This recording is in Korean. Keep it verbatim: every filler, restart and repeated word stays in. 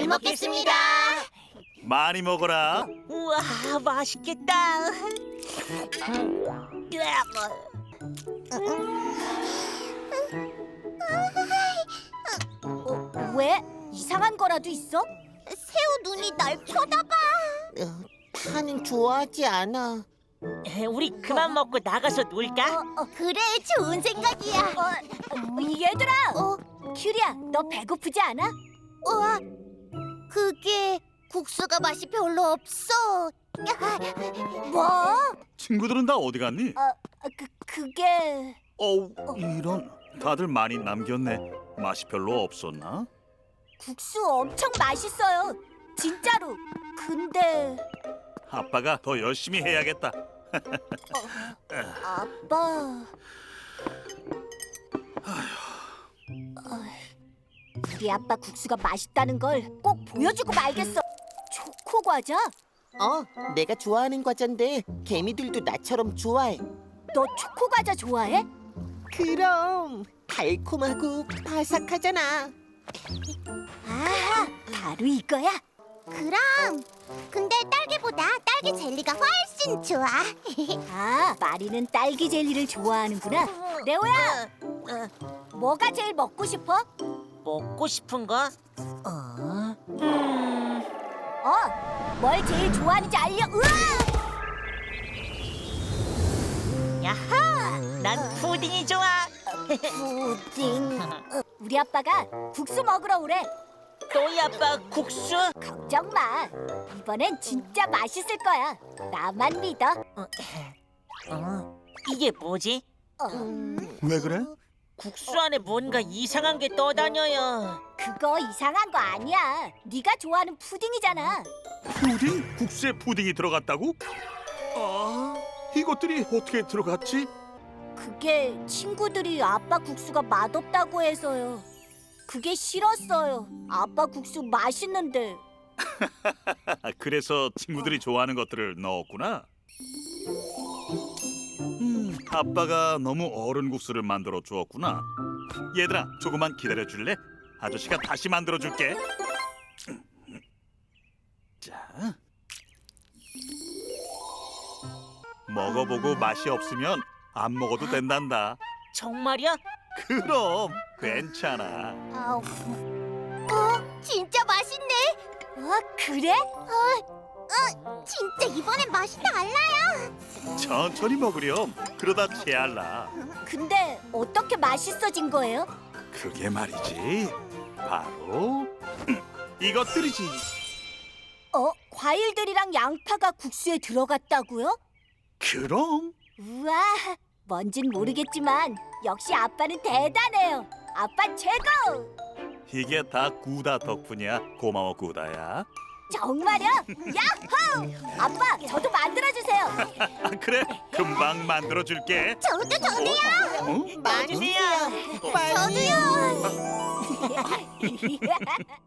잘 먹겠습니다. 많이 먹어라. 우와, 맛있겠다. 어, 왜? 이상한 거라도 있어? 새우 눈이 날 쳐다봐. 파는 좋아하지 않아. 우리 그만 먹고 나가서 놀까? 어, 그래, 좋은 생각이야. 어, 얘들아. 어, 큐리야, 너 배고프지 않아? 어, 그게 국수가 맛이 별로 없어. 뭐? 친구들은 다 어디 갔니? 어, 그 그게 어우, 이런. 다들 많이 남겼네. 맛이 별로 없었나? 국수 엄청 맛있어요. 진짜로. 근데 아빠가 더 열심히 해야겠다. 아빠. 우리 아빠 국수가 맛있다는 걸 꼭 보여주고 말겠어. 초코 과자? 어, 내가 좋아하는 과자인데 개미들도 나처럼 좋아해. 너 초코 과자 좋아해? 그럼 달콤하고 바삭하잖아. 아, 바로 이거야. 그럼. 근데 딸기보다 딸기 젤리가 훨씬 좋아. 아, 마리는 딸기 젤리를 좋아하는구나. 레오야, 뭐가 제일 먹고 싶어? 먹고 싶은 거? 어? 음, 어, 뭘 제일 좋아하는지 알려. 으아! 야하! 난 푸딩이 좋아. 푸딩. 우리 아빠가 국수 먹으러 오래. 너희 아빠 국수? 걱정 마. 이번엔 진짜 맛있을 거야. 나만 믿어. 어? 이게 뭐지? 어, 왜 그래? 국수 안에 뭔가 이상한 게 떠다녀요. 그거 이상한 거 아니야. 네가 좋아하는 푸딩이잖아. 푸딩? 국수에 푸딩이 들어갔다고? 아, 이것들이 어떻게 들어갔지? 그게 친구들이 아빠 국수가 맛없다고 해서요. 그게 싫었어요. 아빠 국수 맛있는데. 그래서 친구들이 좋아하는 것들을 넣었구나. 음, 아빠가 너무 어른 국수를 만들어 주었구나. 얘들아, 조금만 기다려 줄래? 아저씨가 다시 만들어 줄게. 자, 먹어보고 맛이 없으면 안 먹어도 된단다. 정말이야? 그럼 괜찮아. 아우. 어, 진짜 맛있네. 어, 그래? 어, 어, 진짜 이번엔 맛이 달라요. 천천히 먹으렴. 그러다 체할라. 근데 어떻게 맛있어진 거예요? 그게 말이지. 바로 음, 이것들이지. 어, 과일들이랑 양파가 국수에 들어갔다고요? 그럼 우와, 뭔진 모르겠지만 역시 아빠는 대단해요. 아빠 최고! 이게 다 구다 덕분이야. 고마워 구다야. 정말요? 야호! 아빠, 저도 만들어주세요. 아, 그래? 금방 만들어 줄게. 저도 저도요. 어? 많이 주세요. 빨리. 저도요.